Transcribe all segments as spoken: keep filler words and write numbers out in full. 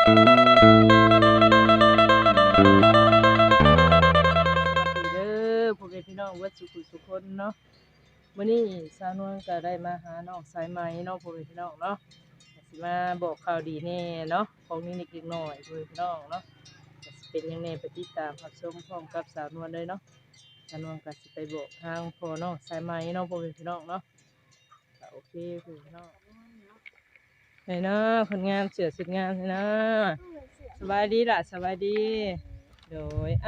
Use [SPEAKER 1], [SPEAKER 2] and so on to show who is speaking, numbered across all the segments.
[SPEAKER 1] เด้อพ่อแม่พี่น้องวัดสุขุสุคนเนาะมื้อนี้สาวนวลก็ได้มาหาน้องสายไหมเนาะพ่อแม่พี่น้องเนาะสิมาบอกข่าวดีแน่เนาะของนิดๆหน่อยๆพ่อแม่พี่น้องเนาะก็สิเป็นยังไงไปติดตามรับชมพร้อมกับสาวนวลเลยเนาะสาวนวลก็สิไปบอกทางพ่อน้องสายไหมเนาะพ่อแม่พี่น้องเนาะก็โอเคพ่อแม่พี่น้องไหนเนาะคนงานเสือสุดงานเลยนะสบายดีล่ะสบายดีโดยอ่ะ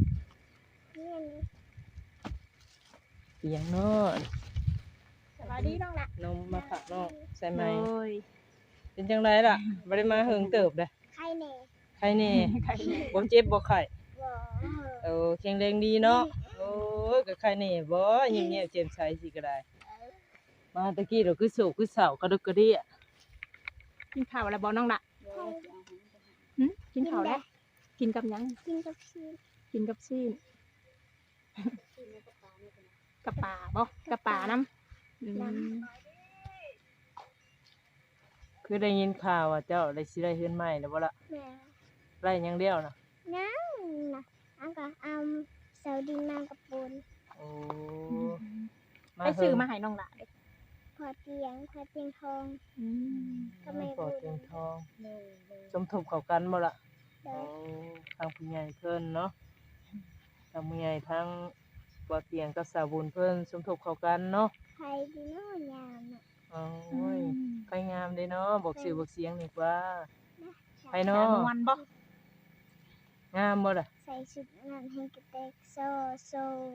[SPEAKER 1] เสียงเนาะ
[SPEAKER 2] สวัสดีน้องละ
[SPEAKER 1] นมมาฝากน้องใช่ไหม
[SPEAKER 2] โอ้ย
[SPEAKER 1] เป็นจังไรล่ะบ่ได้มาเฮิงเติบเลย
[SPEAKER 2] ใครเน่
[SPEAKER 1] ใครแน่บ่เจ็บบ่ไข้
[SPEAKER 2] บ่
[SPEAKER 1] เออแข็งแรงดีเนาะโอ้ยก็ใครแน่บ่เงียบๆแจ่มใสสิก็ได้มาตะกี้เราคือโศกคือเศร้ากระดึกกระเดี้ย
[SPEAKER 2] กินข้าวแล้วบ่น้องละหึกินข้าวแล้วกินกับหยัง
[SPEAKER 3] กินกับชีส
[SPEAKER 2] กินกับซีนกับปลาบ่กับปลาน้ำอืม
[SPEAKER 1] คือได้ยินข่าวว่าเจ้าได้สิได้เฮือนใหม่แล้วบ่ล่ะ
[SPEAKER 3] แม่
[SPEAKER 1] ไร่ยังเดียวน่ะ
[SPEAKER 3] นั่งนะอันก็เอาเสาดินมากับปูน
[SPEAKER 1] โอ้
[SPEAKER 2] ไปซื้อมาให้น้องละเด้อ
[SPEAKER 3] พอเตียงพอเตียงทอง
[SPEAKER 2] อืม
[SPEAKER 3] ก็ไม่
[SPEAKER 1] ปอ
[SPEAKER 3] บุ
[SPEAKER 1] ดเตียง
[SPEAKER 3] ญ
[SPEAKER 1] ทองสมทบเข้ากันบ่ล่ะ
[SPEAKER 3] โด
[SPEAKER 1] โอ้
[SPEAKER 3] ย
[SPEAKER 1] ทางผู้ใหญ่เพิ่นเนาะทางผู้ใหญ่ทั้งบ่เตียงกับสาวบุญเพิ่นสมทบเข้ากันเนาะ
[SPEAKER 3] ใครดีโน่ยามอ่ะ
[SPEAKER 1] โอ้ยใครงามเด้เนาะบอกชื่อบอกเสียงดีกว่าใคร
[SPEAKER 2] สา
[SPEAKER 1] เนาะ
[SPEAKER 2] นวลบ่
[SPEAKER 1] งามบ่ล่ะ
[SPEAKER 3] ใส่ชุดงานให้กระเตกโซโซ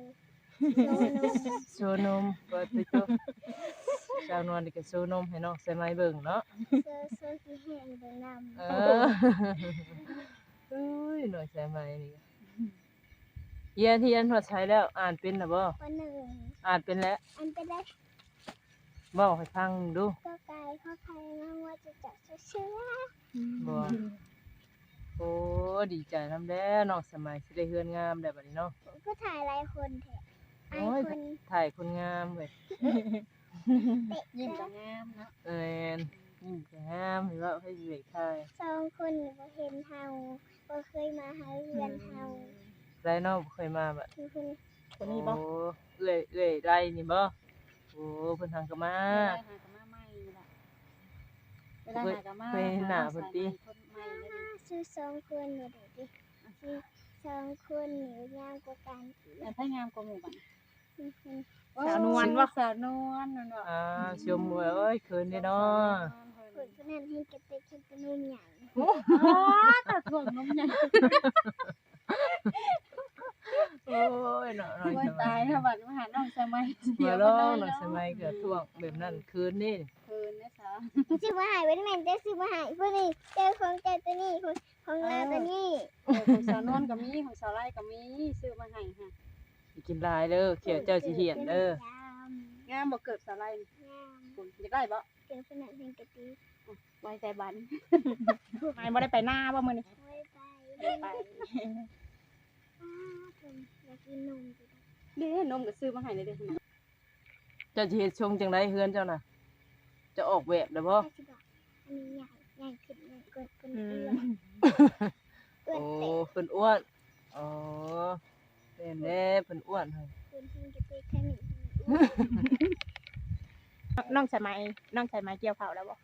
[SPEAKER 3] โซนม
[SPEAKER 1] โชว์นมเปิดไปโตชาวนวลนี่ก็โชว์นมให้น้องใส่ไม้เบิ่งเนาะ
[SPEAKER 3] โซโซที่แห้งไปน
[SPEAKER 1] เออเอ้ยหน่อยใส่ไม้นี่เรียนเรียนฮอดใช้แล้วอ่านเป็นน่ะบ่
[SPEAKER 3] ำวันหนึ่ง
[SPEAKER 1] อ่านเป็นแล้ว
[SPEAKER 3] อันไปได้
[SPEAKER 1] เว้าให้ฟังดู
[SPEAKER 3] ก็ไกลข้อใครน้องว่าจะจับเชื้อ
[SPEAKER 1] บ่โอ้ดีใจนำแล้น้องสมัยสิได้เฮือนงามได้บัดนี้เนาะ
[SPEAKER 3] ก็ถ่ายหลายคนแท้ไอ
[SPEAKER 1] โอ้ย
[SPEAKER 3] คน
[SPEAKER 1] ถ่ายคนงามเว้ย
[SPEAKER 3] เตะ
[SPEAKER 2] ยิ้ม
[SPEAKER 3] เจ้า
[SPEAKER 2] ก็งามเนาะ
[SPEAKER 1] เอ็นยิ้มก็งามเห็นว่าให้เด็กถ่าย
[SPEAKER 3] สองคนนี่บ่เห็นเฮาบ่เคยมาหาเรือนเฮา
[SPEAKER 1] ไรเนาะบ่เคยมาบัด
[SPEAKER 3] คือคน
[SPEAKER 2] คนนี้บ่
[SPEAKER 1] โอ้เอื้อยเอื้อยไรนี่บ่โอ้เพิ่นทางก็มา
[SPEAKER 4] เวลาหากับมาใหม่นี่ล่ะเวลาหากับมา
[SPEAKER 1] เคยเห็นหน้าเพิ่นติ
[SPEAKER 4] คนใหม่เลยนี่
[SPEAKER 3] ซื้อสองคนนี่เด้ดิซื้อสองคนนี่ยาวกว่ากันอีก
[SPEAKER 4] แต่ถ้างามกว่าหมู่บ้าน
[SPEAKER 3] คือคน
[SPEAKER 2] สาวนวลบ่
[SPEAKER 4] สาวนวลนั่นบ่
[SPEAKER 1] อ่าชมเว้ยเอ้ยคืนนี้เนาะ
[SPEAKER 3] คนคนนั้นให้กระเตกให้เป็นนุ่มใหญ่
[SPEAKER 4] อ๋อตัดถ่วงนมใหญ่
[SPEAKER 1] โอ้ยเนาะน้อย
[SPEAKER 4] โอ้ย
[SPEAKER 1] ส
[SPEAKER 4] ตา
[SPEAKER 1] มั
[SPEAKER 4] ย
[SPEAKER 1] ย
[SPEAKER 4] ถ้าบัดมาหาน้องสมัยเสีย
[SPEAKER 1] มา
[SPEAKER 4] บ่
[SPEAKER 1] ล้อ
[SPEAKER 4] ได้
[SPEAKER 1] น้อย
[SPEAKER 4] เนาะ
[SPEAKER 1] สมัยก็ท่วงแบบนั้นคืนนี้
[SPEAKER 4] คืนนะสาว
[SPEAKER 3] ซื้อมาให้ไว้ได้แม่นจะซื้อมาให้พวกนี้เจ้าของเจ้าตัวนี้ของของเราตัวนี้
[SPEAKER 4] เออของสาวนวลก็มีของสาวไร่ก็มีซื้อมาให้ค่ะ
[SPEAKER 1] สิกินหลายเด้อเขียวเจ้าสิเหียนเด้อ
[SPEAKER 4] งามบ่เกิดสาวไร่
[SPEAKER 3] งาม
[SPEAKER 4] คุณอยากได้บ่
[SPEAKER 3] เจ้าคนนั้นให้กระเตก
[SPEAKER 4] ไว้ใจบัน
[SPEAKER 2] ไม่บ่ได้ไปหน้าบ่มื้อนี้
[SPEAKER 3] ไว้ไป
[SPEAKER 4] ไป
[SPEAKER 3] อ้าผมอยากกินนมจัง
[SPEAKER 4] เด้นมก็ซื้อมาให้เลยเด้อ
[SPEAKER 1] เจ้าสิเฮ็ดชงจังไดเฮือนเจ้าน่ะจะออกแบบได้บ่
[SPEAKER 3] แม่สิบอกอันนี้ใหญ่ใหญ่ขึ้นใหญ่กว่าคน
[SPEAKER 2] อื
[SPEAKER 3] อื่
[SPEAKER 2] ม
[SPEAKER 3] นเอื้อ
[SPEAKER 1] โอ้
[SPEAKER 3] นเตะ
[SPEAKER 1] เพิ่นอ้วนอ๋อเป็นแน่เพิ่นอ้วนให้
[SPEAKER 3] เพิ่นให้กระเตกแค่นี้
[SPEAKER 2] น้องสมัยน้องสมัยเกี่ยวข้าวแล้วบ่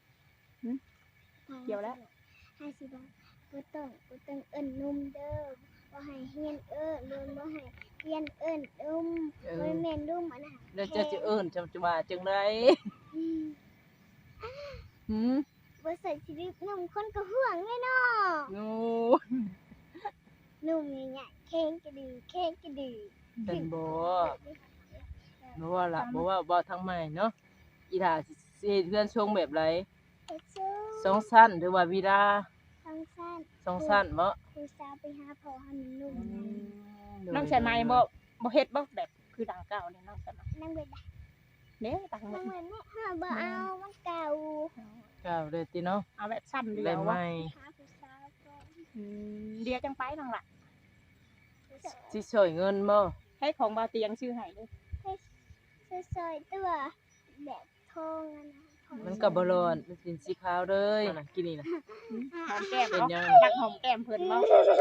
[SPEAKER 2] เกี่ยวแล้ว
[SPEAKER 3] ห้าสิบบาทบ่ต้องบ่ต้องเอิ้นนมเด้อบ่ให้เฮียนเอิ้นรวมบ่ให้เฮียนเอิ้นดุม
[SPEAKER 1] เอ
[SPEAKER 3] บ่
[SPEAKER 1] อ
[SPEAKER 3] แม่นดุมอันน่ะ
[SPEAKER 1] แล้วเจ้าจะเอิ้นจำจะว่าจังได
[SPEAKER 3] อืม
[SPEAKER 1] หืม
[SPEAKER 3] บ่ใส่ชีวิตนมคนก็ห่วงแน่เนาะ
[SPEAKER 1] โอ้
[SPEAKER 3] นมใหญ่ๆแข็งกระดือแข็งกระดือ
[SPEAKER 1] เป็นบ่บ่ว่าล่ะบ่ว่าบ่ทางใหม่เนาะอีหล่าสิสิเฮ็ดเรือนชงแบบไร
[SPEAKER 3] เฮ็ดซู
[SPEAKER 1] สองชั้นหรือว่าวิลา
[SPEAKER 3] ทางสั้น
[SPEAKER 1] สองชั้นบ่
[SPEAKER 3] ครูสาวไปหาพ่อหาหนุ่ม
[SPEAKER 2] น้องสมัยบ่บ่เฮ็ดบ่แบบคือดังเก่าเนี่ยน้องสมัย
[SPEAKER 3] นั่งเบิดได้
[SPEAKER 2] เด้ตัง
[SPEAKER 3] นั่งเบิดแม่ห้าบ่เอามันเก่า
[SPEAKER 1] ก้าวเลยติเนาะ
[SPEAKER 2] เอาแบบสั้นเดี
[SPEAKER 1] ได้
[SPEAKER 2] ยว
[SPEAKER 1] ไหม
[SPEAKER 2] วะ
[SPEAKER 3] หาผู้สาวก่อน
[SPEAKER 2] อืมเดียวจังไปน้องล่ะ
[SPEAKER 1] สิช่วยเงินบ่
[SPEAKER 2] ให้ของบ่าวเตียงชื่อให้เด้อ
[SPEAKER 3] ให้ซอยๆตัวแบบทองอะนะท
[SPEAKER 1] มันก็บ่ร้อนมันเป็นสีขาวเลยน่ะกินนี่น่ะ
[SPEAKER 2] หอมแก้ม
[SPEAKER 1] เป็น
[SPEAKER 2] บ่
[SPEAKER 1] ยัง
[SPEAKER 2] รักหอมแก้มเพิ่นบ่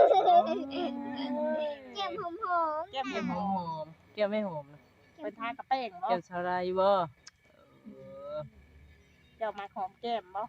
[SPEAKER 3] แก้มหอมหอม
[SPEAKER 2] แก้ม
[SPEAKER 1] แก้ม
[SPEAKER 2] ห
[SPEAKER 1] ห
[SPEAKER 2] อ
[SPEAKER 1] อ
[SPEAKER 2] ม
[SPEAKER 1] มๆแก้มไม่หอมนะ
[SPEAKER 2] เพิ่นทากระแป้งบ่
[SPEAKER 1] แก้มชาลายบ่เออ
[SPEAKER 2] เจ้ามาหอมแก้มบ่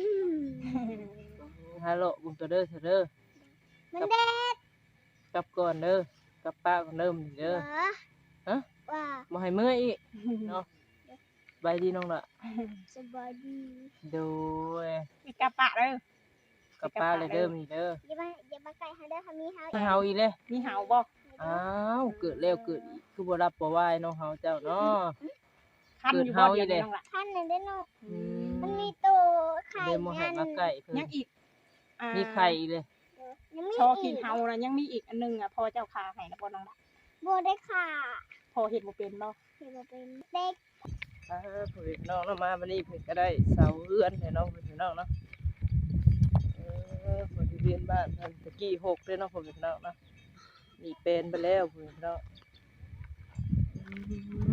[SPEAKER 1] ฮัลโหลบุญตัวเด้อเถอะเด้อ
[SPEAKER 3] มันเด็ด
[SPEAKER 1] กลับก่อนเด้อกลับป้าก่อนเด้อมื้อนี้เด้อ ฮะ
[SPEAKER 3] ว่า
[SPEAKER 1] บ่ให้เมื่อยอีกเนาะบายดีน้องล่ะ
[SPEAKER 3] สบายดี
[SPEAKER 1] โดย
[SPEAKER 2] อีกกะปะเด้อก
[SPEAKER 1] ลับป้าเลยเด้อมื้อนี้เด้อ
[SPEAKER 3] อย่ามาอย่ามาไก่เฮาเด้อเฮามีเฮา
[SPEAKER 1] ให้เฮาอีกเลย
[SPEAKER 2] มีเห่าบ่
[SPEAKER 1] อ้าวเกิดแล้วเกิดอีกคือบ่รับบ่ไหวเนาะเฮาเจ้าเนาะ
[SPEAKER 2] คันอยู่บ่เดี๋ยวนี้น้องล่ะ
[SPEAKER 3] ท่านนั่นได้อเนาะ
[SPEAKER 1] อืม
[SPEAKER 3] มันมีตัวไข่
[SPEAKER 1] เดโมให้มาใกล้เพิ่น
[SPEAKER 2] ยังอีกอ่า
[SPEAKER 1] มีไข่อีกเลย
[SPEAKER 3] ยังมี
[SPEAKER 2] ชอ
[SPEAKER 3] อี
[SPEAKER 2] กิน
[SPEAKER 3] ก
[SPEAKER 2] เห่านะยังมีอีกอันหนึงอ่ะพอเจ้าคาให้นะบ่น้องล่ะ
[SPEAKER 3] บ่ได้ค่ะ
[SPEAKER 2] พอเฮ็ดบ่เป็นบ่
[SPEAKER 3] เห็นบ่เป็นเด็ก
[SPEAKER 1] อ่าเพิ่นน้องเนาะมาวันนี้เพิ่นก็ได้เสาเรือนให้น้องเพิ่นพี่น้องเนาะเออเพิ่นที่เรียนบ้านเพิ่นตะกี้หกเด้อเนาะเพิ่นพี่น้องเนาะนี่เป็นไปแล้วเพิ่นพี่น้องอืม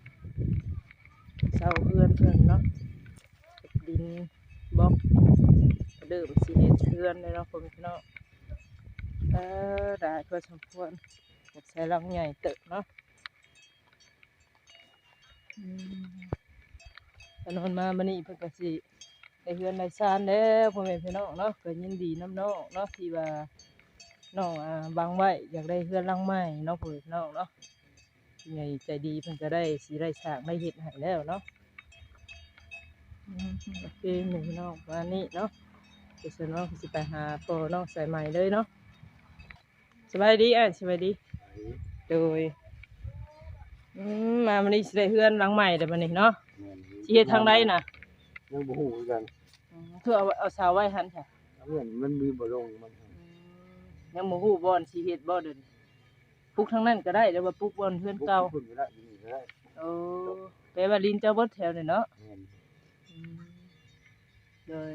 [SPEAKER 1] เสาเรือนเพิ่นเนาะดินบล็อกกระเดิมสิเฮ็ดเรือนเลยเนาะเพิ่นพี่น้องเออได้พอสมควรอยากใช้หลังใหญ่เติบเนาะ อืมตอนนอนมามื้อนี้เพิ่นก็สิได้เฮือนได้ซ่านแล้วพ่อแม่พี่น้องเนาะก็ยินดีนำน้องเนาะที่ว่าน้องอ่าวางไว้อยากได้เฮือนหลังใหม่เนาะพ่อแม่พี่น้องเนาะผู้ใหญ่ใจดีเพิ่นก็ได้สิได้สร้างได้เฮ็ดให้แล้วเนาะอืมโอเคแม่พี่น้องประมาณนี้เนาะเดี๋ยวฉันน้องสิไปหาพ่อน้องสายใหม่เลยเนาะสบายดีอ่ะสบายดีโดยอืมมามื้อนี้สิได้เฮือนหลังใหม่เด้อมื้อนี้เนาะ สิเฮ็ดทางใดน่ะ
[SPEAKER 5] ยังบ่ฮู้คือกัน
[SPEAKER 1] อืมคือเอาเอาเสาไว้หั่นค่ะ
[SPEAKER 5] เรื่องมันมีบ่ลงมัน
[SPEAKER 1] ยังบ่ฮู้บ่อนสิเฮ็ดบ่เดินปลูกทางนั้นก็ได้แต่ว่าปลูกบ่อนเฮือนเก่า
[SPEAKER 5] พุ่นก็ได้อยู่นี่ก็ได้
[SPEAKER 1] โอ้แปลว่าลินเจ้าเบิดแถวนี่เนาะ
[SPEAKER 5] แม่น
[SPEAKER 1] อืมเลย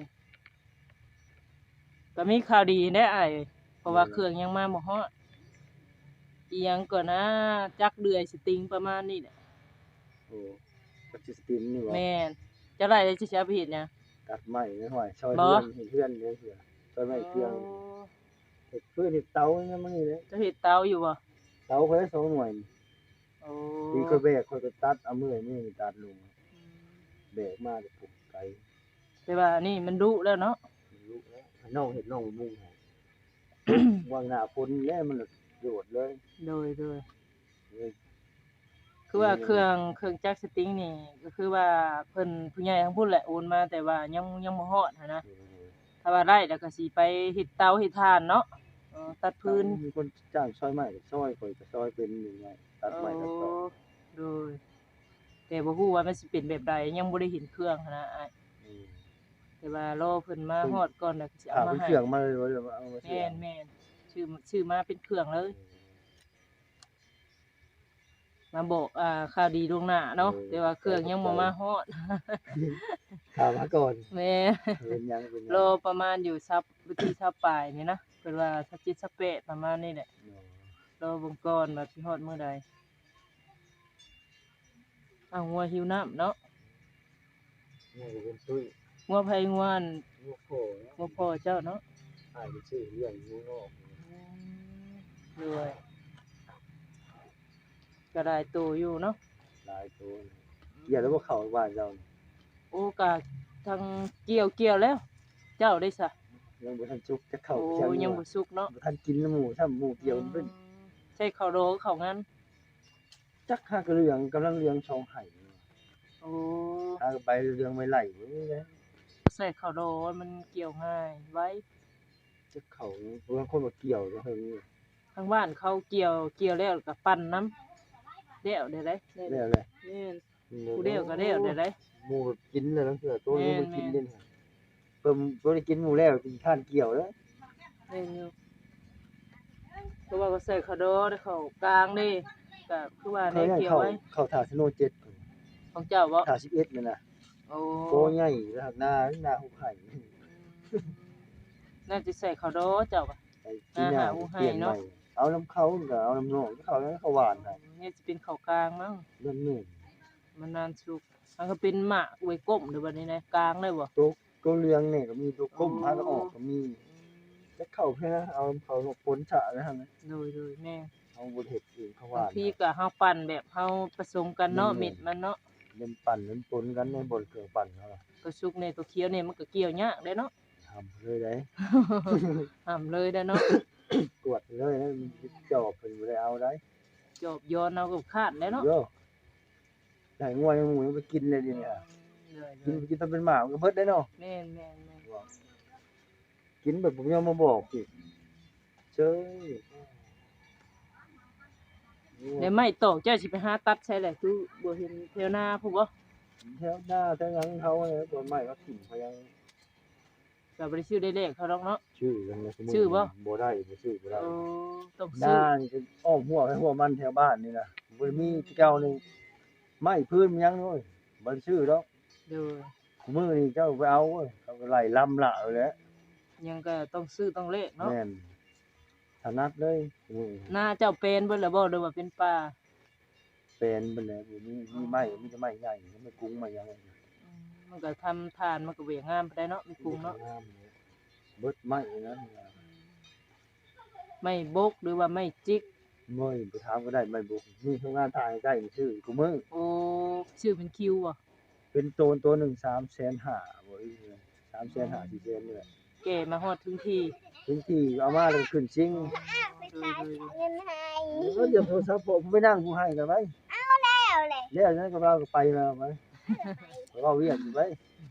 [SPEAKER 1] ก็มีข่าวดีแน่อ้ายเพราะว่าเครื่องยังมาบ่ฮอดอีหยังก่อนนะจักเดือยสติงประมาณนี้แหละ
[SPEAKER 5] โอ้ก็สิสติมนี่บ่
[SPEAKER 1] แม่นจะได้เลยสิเอาไปเฮ็ดหยัง
[SPEAKER 5] ตัดไม้ไม่ห้อยซอย
[SPEAKER 1] บ่
[SPEAKER 5] เพื่อนเฮ็ดเพื่อนเด้อเสือซอยไม้เครื่องเฮ็ดเพื่อนเฮ็ดเตาเนี่ยมันนี่เลย
[SPEAKER 1] จะเฮ็ดเตาอยู่บ่
[SPEAKER 5] เตาค่อยสองหน่วย
[SPEAKER 1] โอ้
[SPEAKER 5] มีค่อยแบกค่อยก็ตัดเอามือนี่ตัดลงแบกมาก็ปุ๊บไกล
[SPEAKER 1] แต่ว่านี่มันดุแล้วเนาะ
[SPEAKER 5] ลูกแล้วน้องเฮ็ดน้องมุ่งให้ วางหน้าฝนแล้วมันโดดเลย
[SPEAKER 1] โดยโดย
[SPEAKER 5] เลย
[SPEAKER 1] คือว่าเครื่องเครื่องจักรสติงนี่ก็คือว่าเพิ่นผู้ใหญ่ทั้งพุ่นแหละโอนมาแต่ว่ายังยังบ่ฮอดหันนะถ้าว่าได้แล้วก็สิไปเฮ็ดเตาเฮ็ดถ่านเนาะเออตัดพื้น
[SPEAKER 5] มีคนจ้างซอยไม้ก็ซอยข่อยก็ซอยเป็นยังไงตัดไม้ตัดตอก
[SPEAKER 1] โดยแต่บ่ฮู้ว่ามันสิเป็นแบบใดยังบ่ได้เห็นเครื่องหันนะอ้าย
[SPEAKER 5] อืม
[SPEAKER 1] แต่ว่ารอเพิ่นมาฮอดก่อนแล้วก็สิ
[SPEAKER 5] ถา
[SPEAKER 1] เอา
[SPEAKER 5] ม
[SPEAKER 1] มา
[SPEAKER 5] เป็น
[SPEAKER 1] ให้
[SPEAKER 5] เครื่องมาเลยว่าจะเอามาเสี
[SPEAKER 1] แม่
[SPEAKER 5] ย
[SPEAKER 1] นแม่นชื่อชื่อมาเป็นเครื่องเลย มาบอกอ่าข่าวดีล่วงหน้าเนาะแต่ว่าเครื่องยังบ่มาฮอด
[SPEAKER 5] ถามมาก่อน
[SPEAKER 1] แม่
[SPEAKER 5] เป็นยังเป็นยัง
[SPEAKER 1] รอประมาณอยู่ซับวิธีซับปลายนี่นะเป็นว่าสักจิตสักเปะประมาณนี้แหละรอเบงก่อนว่าสิฮอดมื้อใดอ้าวงัวหิวน้ำเนาะ
[SPEAKER 5] นี่ก็เป็นตุ้ย
[SPEAKER 1] งัวไผงัวอัน
[SPEAKER 5] ลูกโผ
[SPEAKER 1] งัวพ่อเจ้าเนาะ
[SPEAKER 5] อายไปซื้อเลี้ยงงูนอก
[SPEAKER 1] ด้วยก็ได้โตอยู่เนาะ
[SPEAKER 5] หลายตัวอย่าแล้วว่าเข้าบ้านเรา
[SPEAKER 1] โอ้กะทางเกี่ยวเกี่ยวแล้ว เจ้าได้ซะ
[SPEAKER 5] ยังบ่ทันสุกจะเข้า
[SPEAKER 1] โอ้
[SPEAKER 5] เที่ยง
[SPEAKER 1] ยังบ่สุกเนาะ
[SPEAKER 5] บ่ทันกินน้ำหมูถ้าหมูเกี่ยวมันเป็น
[SPEAKER 1] ใช่ข้าวโดข้าวงั้น
[SPEAKER 5] จักหากระเรืองกำลังเรืองช่องไห้
[SPEAKER 1] โอ้
[SPEAKER 5] หากใบเรืองไม่ไหลนี่นะ
[SPEAKER 1] ใส่ข้าวโดมันเกี่ยวง่ายไว้
[SPEAKER 5] จะเข้าบางคนบ่เกี่ยวก็เฮิง
[SPEAKER 1] ทางบ้านเขาเกี่ยวเกี่ยวแล้วก็ปั่นน้ำเดี่ยวได้ได้ได้
[SPEAKER 5] แล้วแหละ
[SPEAKER 1] แม่นผู้เดี่ยวก็เดี่ยวได้ได้
[SPEAKER 5] หมูกินแล้วนั่นคือตัวนี้มัน
[SPEAKER 1] แม่น
[SPEAKER 5] กินเด่นเพิ่มบ่ได้กินหมูแล้วกินข้านเกี่ยวแล้ว
[SPEAKER 1] แม่นอยู่เพราะว่าก็ใส่ข้าวโดได้เข้ากลางนี่ก็คือว่าได้
[SPEAKER 5] เขาให้
[SPEAKER 1] เกี่ยว
[SPEAKER 5] เข้า
[SPEAKER 1] ไว้
[SPEAKER 5] เข้าท่าสโนว์เจ็ด
[SPEAKER 1] ของเจ้าบ่
[SPEAKER 5] ท่าสิบเอ็ดนั่นน่ะ
[SPEAKER 1] โอ้
[SPEAKER 5] โตใหญ่แล้วหน้าหน้าหุบไห่
[SPEAKER 1] น่าจะใส่ข้าวโดเจ้าบ่ะ
[SPEAKER 5] ไอ้ที่หน้า
[SPEAKER 1] อ่าหุบไห่
[SPEAKER 5] เปลี่ยนให
[SPEAKER 1] เนาะ
[SPEAKER 5] ม่เอาน้ำเขาก็เอาน้ำนองเขาแล้วเขาหวานให้
[SPEAKER 1] นี่จะเป็นข้าวกลางมั้ง
[SPEAKER 5] เรื่องนี้
[SPEAKER 1] มันนานสุกมันก็เป็นหมากไว้ก้มเด้อบัดนี้นะกลางเลยบ่
[SPEAKER 5] ตัวตัวเรืองนี่ก็มีตัวก้ม
[SPEAKER 1] อ๋อ
[SPEAKER 5] พาก็ออกก็มีแล้วเข้าเพื่อเอาเขาผลฉะนะฮะ
[SPEAKER 1] โดยๆแม่
[SPEAKER 5] เอาบ่เฮ็ดเองเขา
[SPEAKER 1] บา
[SPEAKER 5] ว่าง
[SPEAKER 1] ทีก็เฮาปั่นแบบเฮาผสมกันเนาะ
[SPEAKER 5] แม่นๆ
[SPEAKER 1] เม็ดมันเนาะ
[SPEAKER 5] เล่นปั่นเล่นปนกันในบนเครื่องปั่นเขาล่ะ
[SPEAKER 1] ตัวสุกนี่ตัวเขียวนี่มันก็เกี่ยวยากเด้เนาะ
[SPEAKER 5] ทำเลยได้
[SPEAKER 1] ห้ามเลยเด้อเนาะ
[SPEAKER 5] ตรวจเลยนะมันจอบเพิ่นบ่ได้เอาได้
[SPEAKER 1] จอบย้อนเอากับคาดเลยเนาะ
[SPEAKER 5] โย่ได้งัวยังหมูยังไปกินเลยเดิเนี่ย
[SPEAKER 1] เลย
[SPEAKER 5] กินกินตอนเป็นหมามันก็เบิดได้เนาะ
[SPEAKER 1] ๆแม่นๆ
[SPEAKER 5] กินแบบผมยังมาบอกอีกเจ้ย
[SPEAKER 1] ๆแล้วไม้ตอกเจ้าสิไปหาตัดใช่แหละคือบ่เห็นแถวหน้าพุ่นบ่
[SPEAKER 5] แถวหน้าแถวหยังเขาเนี่ยตัวใหม่เขาถิ่มเขายัง
[SPEAKER 1] ก็บ่ได้ชื่อได้เลขเขาดอกเนาะ
[SPEAKER 5] ชื่อกันเลยสมมุติ
[SPEAKER 1] ชื่อบ่
[SPEAKER 5] บ่ได้บ่ชื่อบ่ได้
[SPEAKER 1] โอ้ต้อง
[SPEAKER 5] ห
[SPEAKER 1] ซื้อ
[SPEAKER 5] น้านี่ก็อ้อมหัวไปหัวมันแถวบ้านนี่น่ะบ่ได้มีเจ้านี่ไม้พื้นมันยังเลยบ่ได้ชื่อดอก
[SPEAKER 1] เด้อ
[SPEAKER 5] มื้อนี้เจ้าไปเอาเว้ยเขาก็ไล่ลำละเอาแหล้ว
[SPEAKER 1] ยังก็ต้องซื้อต้องเลขเนาะ
[SPEAKER 5] แม่นถนัดเลยอือ
[SPEAKER 1] หน้าเจ้าเป็นเบิดแล้วบ่หรือว่าเป็นป่า
[SPEAKER 5] เป็นเบิดแล้วบ่มีมีไม้มีแต่ไม้ใหญ่ไม่กุ้งไม้หยัง
[SPEAKER 1] อืมมันก็ทำทานมันก็เวยงามไปได้เนาะมีกรุงเนาะ
[SPEAKER 5] เบิดไม้นั้น
[SPEAKER 1] ไม่บกหรือว่าไม่จิก
[SPEAKER 5] เมื่อยไปถามก็ได้ไม้บุกมีโรงงานถ่ายใกล้ชื่อกูมือ
[SPEAKER 1] โอ้ชื่อเป็นคิวบ่
[SPEAKER 5] เป็นโตนตัวหนึ่งสามแสนห้าบ่อีกเลยสามแสนห้าสี่แสนนี่แหละ
[SPEAKER 1] แก่มาฮอดถึงที่
[SPEAKER 5] ถึงที่เอามาแล้วขึ้นจริง
[SPEAKER 3] ไปขายเงินให้
[SPEAKER 5] เออเดี๋ยวโทรศัพท์ผมไปนั่งกูให้กันไว้
[SPEAKER 3] แล้วแหละ
[SPEAKER 5] แล้วนั้นก็เราก็ไปมาไว้เราเรียกอยู่ไว้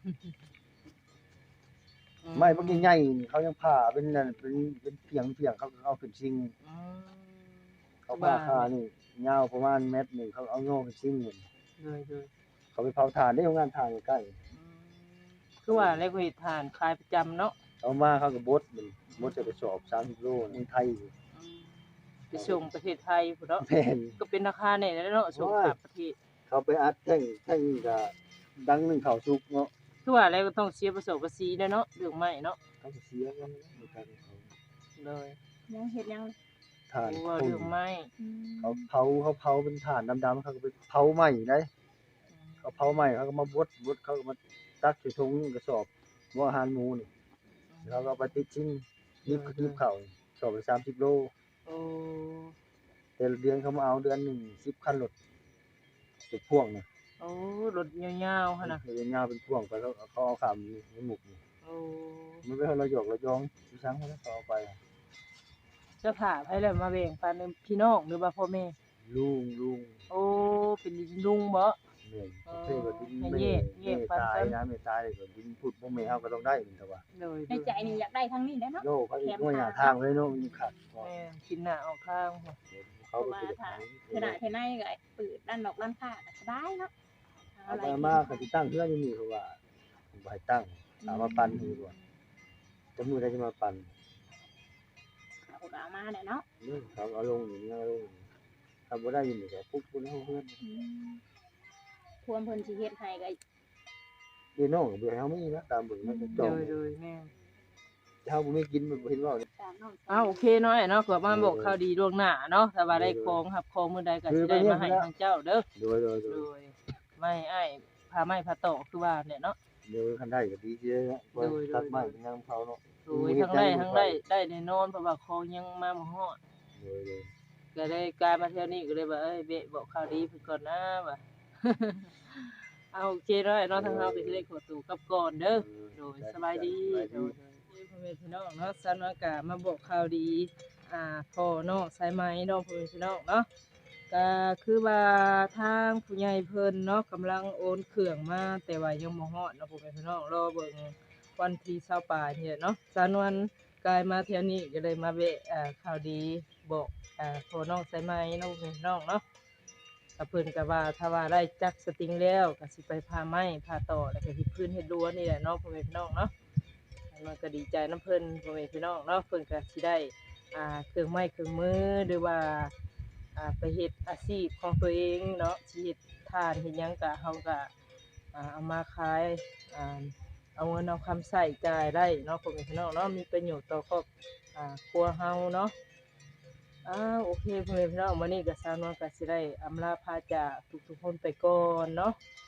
[SPEAKER 1] อื
[SPEAKER 5] ไม้พวกใหญ่ๆเขายังผ่าเป็นนั่นเป็นเป็นเพียงเพียงเขาเอาขึ้นจริง
[SPEAKER 1] อืม
[SPEAKER 5] เขาผ่าคานี่ยาวประมาณเมตรหนึงเขาเอาโง่ขึ้นจริงนี่
[SPEAKER 1] เลยเลย
[SPEAKER 5] เขาไปเผาถ่านได้โรงงานถ่านใกล้
[SPEAKER 1] อืมคือว่าแล้วก็เฮ็ดทานขายประจำเนาะ
[SPEAKER 5] เอามาเขาก็บดมันบดจะไปสอบสามสิบโลในไทย
[SPEAKER 1] อืมไปส่งประเทศไทยพุ่นเนาะ
[SPEAKER 5] แม่น
[SPEAKER 1] ก็เป็นราคาแน่แล้วเนาะส่งข้ามประเทศ
[SPEAKER 5] เขาไปอัดแท่งแท่งก็ดังหนึ่งเขาสุกเนาะ
[SPEAKER 1] คือว่าแล้วก็ต้องเสียประสบภาษีด้วยเนาะเรื่องไม้เนาะ
[SPEAKER 5] เขาก็เสียกันในการเขา
[SPEAKER 1] เลย
[SPEAKER 2] ยังเฮ็ดยัง
[SPEAKER 5] ถ่าน
[SPEAKER 1] เพราะว่า
[SPEAKER 5] คน
[SPEAKER 1] เรื่องไม้
[SPEAKER 2] อืม
[SPEAKER 5] เขาเผาเขาเผาเป็นถ่านดำๆเขาก็ไปเผาไหม้ได้
[SPEAKER 1] อืม
[SPEAKER 5] เขาเผาไหม้เขาก็มาบดบดเขาก็มาตักใส่ถุงกระสอบหัวอาหารหมูนี่แล้วก็เอาไปติดชิ้นยิบก็ยิบเข่าสอบไปสามสิบโล
[SPEAKER 1] โอ้
[SPEAKER 5] แต่ละเดือนเขามาเอาเดือนหนึ่งสิบคันรถเป็นพ่วงนะ
[SPEAKER 1] โอ้รถยาวๆหั่นน่ะ
[SPEAKER 5] เดือนยาวเป็นพ่วงไปแล้วเขาเอาขามนี่ในหมุกนี่
[SPEAKER 1] โอ้
[SPEAKER 5] มันไม่ให้เราหยอกเรายองที่ช้างเขาเขาเอาไป
[SPEAKER 1] จะผ่าให้แล้วมาแบ่งปันพี่น้องหรือว่าพ่อแม่
[SPEAKER 5] ลุงลุง
[SPEAKER 1] โอ้เป็นลุงบ่
[SPEAKER 5] เหนื่อย
[SPEAKER 1] อ๋อ
[SPEAKER 5] เพื่อก็ดิน
[SPEAKER 1] ให้
[SPEAKER 5] ไม่
[SPEAKER 1] แยกแยกปัน
[SPEAKER 5] ตาย
[SPEAKER 1] กัน
[SPEAKER 5] นะไม่ตายเลยก็ดินพูดพวกแม่เขาก็ต้องได้เหมือนกันว่า
[SPEAKER 1] เลย
[SPEAKER 2] ในใจนี่อยากได้ทั้งนี้แหล้วเนาะ
[SPEAKER 5] โลกเขาอีกว่าอย่างทางเลยเนาะมันขัด
[SPEAKER 1] แม่กินหน้าออกข้างบ่
[SPEAKER 5] เขาไปสุดท้าย
[SPEAKER 2] ขนาดภายในก็เปิดด้านนอกด้านข้างก็สบายเนาะ
[SPEAKER 5] เอาไปมากเขาจะตั้งเพื่อนนี่เขาว่าผมไปตั้งถามว่าปันดีกว่าจะมือได้จะมาปัน
[SPEAKER 2] เอาก็เอามาเนี่ยเนาะ
[SPEAKER 5] เนี่ยเขาเอาลงอย่างนี้เอาลงทำบ่ได้ยินแต่ปุ๊บปุ๊บเขาเพื่อน
[SPEAKER 2] อืมพวมเพิ่นสิเฮ็ดให้ก็
[SPEAKER 5] เดี๋ยวน้องเบื่อเขาไม่นะตามเบิ่งมันจะจ
[SPEAKER 1] เล
[SPEAKER 5] อง
[SPEAKER 1] ยเลยแม่
[SPEAKER 5] เขาบ่ไม่กินมันบ่เห็นว่า
[SPEAKER 2] ตามน้อง
[SPEAKER 1] อ้าวโอเคเนาะไอ้เนาะก็มาบอกข่าวดีล่วงหน้าเนาะถ้าว่าได้ของรับของมื้อใดก็สิได้มาให้ทางเจ้าเด้อ
[SPEAKER 5] โดยโดยโด
[SPEAKER 1] โด
[SPEAKER 5] ย
[SPEAKER 1] ยไม่อ้ายพาไม้พาตอกคือว่าเนี่ยเนาะ
[SPEAKER 5] เดี๋ยวคันได้ก็ดีเยอะว่าตัดไม้เป็นยังเขาเนาะ
[SPEAKER 1] โดยทั้งได้ทั้งได้ได้แน่นอนเพราะว่าของยังมาบ่ฮอด
[SPEAKER 5] โดยโดย
[SPEAKER 1] ก็ได้กลายมาเที่ยวนี้ก็เลยว่าเอ้ยเบะบอกข่าวดีเพิ่นก่อนนะว่า เอาโอเคเนาะไอ้เนาะทางเฮาก็สิได้ขอตัวกลับก่อนเด้อ โดยสบายดีโดยพ่อแม่พี่น้องเนาะสันว่ากะมาบอกข่าวดี อ่าพ่อน้องสายไหมน้องพ่อแม่พี่น้องเนาะก็คือว่าทางผู้ใหญ่เพิ่นเนาะกำลังโอนเครื่องมาแต่ว่ายังบ่ฮอดเนาะพ่อแม่พี่น้องรอเบิ่งวันที่ยี่สิบปลายนี่แหละเนาะสันวันกายมาเที่ยวนี้ก็เลยมาแวะอ่าข่าวดีบอกอ่าพ่อน้องสายไหมน้องพ่อแม่พี่น้องเนาะก็เพิ่นก็ว่าถ้าว่าได้จักสติงแล้วก็สิไปพาไม้พาต่อแล้วก็เฮ็ดพื้นเฮ็ดรั้วนี่แหละเนาะพ่อแม่พี่น้องเนาะ มันก็ดีใจน้ำเพิ่นพ่อแม่พี่น้องเนาะเพิ่นก็สิได้อ่าเครื่องไม้เครื่องมือหรือว่าอ่าไปเฮ็ดอาชีพของตัวเองเนาะสิเฮ็ดทานเฮ็ดหยังก็เฮาก็อ่าเอามาขายอ่าเอาเงินเอาคำใช้จ่ายได้เนาะพ่อแม่พี่น้องเนาะมีประโยชน์ต่อครอบอ่าครัวเฮาเนาะอ้าวโอเคพ่อแม่พี่น้องมื้อนี้ก็สาวนวลก็สิได้อำลาพาจากทุกๆคนไปก่อนเนาะ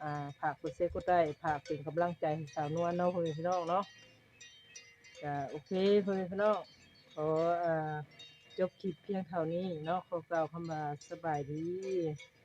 [SPEAKER 1] อ่าฝากกดแชร์กดไลค์ฝากเป็นกำลังใจให้สาวนวลเนาะพ่อแม่พี่น้องเนาะก็โอเคพ่อแม่พี่น้องขออ่าจบคลิปเพียงเท่านี้เนาะขอกล่าวคำว่าสบายดี